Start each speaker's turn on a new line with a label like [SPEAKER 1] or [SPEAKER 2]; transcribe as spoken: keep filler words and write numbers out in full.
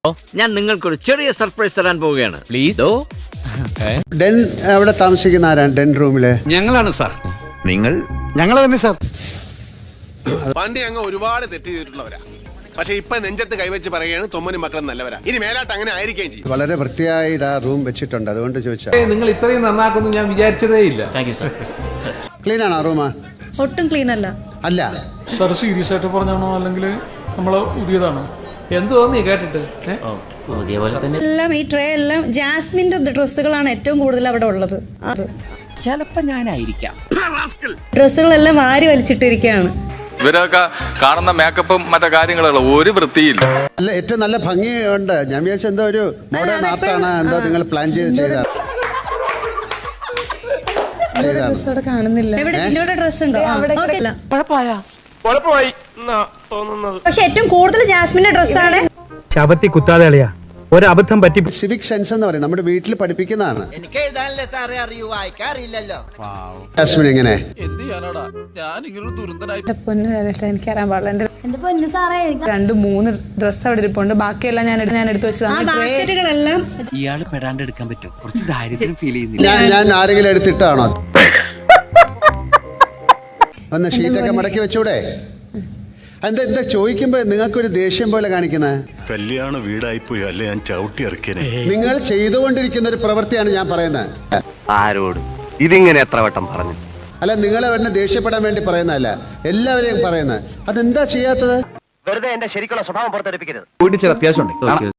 [SPEAKER 1] ഞാൻ നിങ്ങൾക്കൊരു ചെറിയ സർപ്രൈസ് തരാൻ പോവുകയാണ്. പ്ലീസ്.
[SPEAKER 2] ഡെൻ അവിടെ താമസിക്കുന്ന ആരാണ് ഡെൻ റൂമിലെ?
[SPEAKER 3] ഞങ്ങളാണ് സാർ.
[SPEAKER 4] നിങ്ങൾ? ഞങ്ങൾ തന്നെ സാർ.
[SPEAKER 5] പണ്ട് ഞങ്ങൾ ഒരുപാട് തെറ്റ് ചെയ്തിട്ടുള്ളവരാ. പക്ഷെ ഇപ്പൊ നെഞ്ചത്ത് കൈവച്ച് പറയുകയാണ് തൊമ്മനും മക്കളും നല്ലവരാ. ഇനി മേലാട്ട് അങ്ങനെ ആയിരിക്കുകയും ചെയ്യും.
[SPEAKER 2] വളരെ വൃത്തിയായി ആ റൂം വെച്ചിട്ടുണ്ട്, അതുകൊണ്ട് ചോദിച്ചാ.
[SPEAKER 3] നിങ്ങൾ ഇത്രയും നന്നാക്കുന്നു ഞാൻ വിചാരിച്ചതേ ഇല്ല.
[SPEAKER 2] ക്ലീൻ ആണോ റൂം?
[SPEAKER 6] ഒട്ടും ക്ലീൻ അല്ല.
[SPEAKER 2] അല്ല
[SPEAKER 7] സാർ സീരിയസ് ആയിട്ട് പറഞ്ഞാണോ അല്ലെങ്കിൽ നമ്മളെ പുതിയതാണോ?
[SPEAKER 3] എന്ത് തോന്നി കേട്ടിട്ട്?
[SPEAKER 6] എല്ലാം ഈ ട്രേ എല്ലാം ജാസ്മിന്റെ ഡ്രസ്സുകളാണ് ഏറ്റവും കൂടുതൽ അവിടെ ഉള്ളത്.
[SPEAKER 8] ചിലപ്പോ ഞാനായിരിക്കാം.
[SPEAKER 6] ഡ്രസ്സുകളെല്ലാം വാരി വലിച്ചിട്ടിരിക്കുകയാണ്.
[SPEAKER 9] ഇവരൊക്കെ കാണുന്ന മേക്കപ്പും മറ്റു കാര്യങ്ങളുള്ള ഒരു വൃത്തിയില്ല.
[SPEAKER 2] അല്ല, ഏറ്റവും നല്ല ഭംഗിയുണ്ട്. ഞാൻ വിചാരിച്ച എന്തോ ഒരു മോഡേൺ ആർട്ടാണ്, എന്തോ നിങ്ങൾ പ്ലാൻ ചെയ്ത് ചെയ്ത.
[SPEAKER 6] കാണുന്നില്ല. ഡ്രസ് ഉണ്ടോ? പക്ഷെ ഏറ്റവും കൂടുതൽ ജാസ്മിന്റെ ഡ്രസ്സാണ്.
[SPEAKER 10] ശബത്തി കുത്താതെ കളിയാ, ഒരബദ്ധം പറ്റി.
[SPEAKER 2] സിവിക് സെൻസ് എന്ന് പറയും, നമ്മുടെ വീട്ടിൽ പഠിപ്പിക്കുന്നതാണ്.
[SPEAKER 8] എനിക്ക് എഴുതാനല്ലേ സാറേ അറിയൂ, വായിക്കാറില്ലല്ലോ.
[SPEAKER 2] ജാസ്മിൻ എങ്ങനെ?
[SPEAKER 6] എനിക്കറിയാൻ പാടില്ല. എന്റെ പൊന്ന് സാറേ, രണ്ട് മൂന്ന് ഡ്രസ് അവിടെ ഇരിപ്പുണ്ട്. ബാക്കിയെല്ലാം ഞാൻ ഞാൻ എടുത്തു വെച്ചതാണ്.
[SPEAKER 8] ഇയാള് പെടാണ്ട് എടുക്കാൻ പറ്റും. കുറച്ച് ദാരിദ്ര്യം ഫീൽ ചെയ്യുന്നില്ല.
[SPEAKER 2] ഞാൻ ഞാൻ ആരെങ്കിലും എടുത്തിട്ടാണോ? ഒന്ന് ഷീറ്റൊക്കെ മടക്കി വെച്ചൂടെ? എന്താ എന്താ ചോദിക്കുമ്പോ നിങ്ങൾക്കൊരു ദേഷ്യം പോലെ കാണിക്കുന്നത്?
[SPEAKER 4] കല്യാണ വീടായിപ്പോയി അല്ലേ, ഞാൻ ചവിട്ടി ഇറക്കിയനെ.
[SPEAKER 2] നിങ്ങൾ ചെയ്തുകൊണ്ടിരിക്കുന്ന ഒരു പ്രവൃത്തിയാണ് ഞാൻ പറയുന്നത്.
[SPEAKER 10] ആരോട് ഇതിങ്ങനെ എത്ര വട്ടം പറഞ്ഞു?
[SPEAKER 2] അല്ല, നിങ്ങളെ വേണ്ട ദേഷ്യപ്പെടാൻ വേണ്ടി പറയുന്നതല്ല, എല്ലാവരെയും പറയുന്നത്. അതെന്താ ചെയ്യാത്തത്?
[SPEAKER 10] വെറുതെ എന്റെ ശരിക്കുള്ള സ്വഭാവം പുറത്തെടുപ്പിക്കരുത്.
[SPEAKER 3] വീട്ടിൽ ചില അത്യാവശ്യം ഉണ്ട്.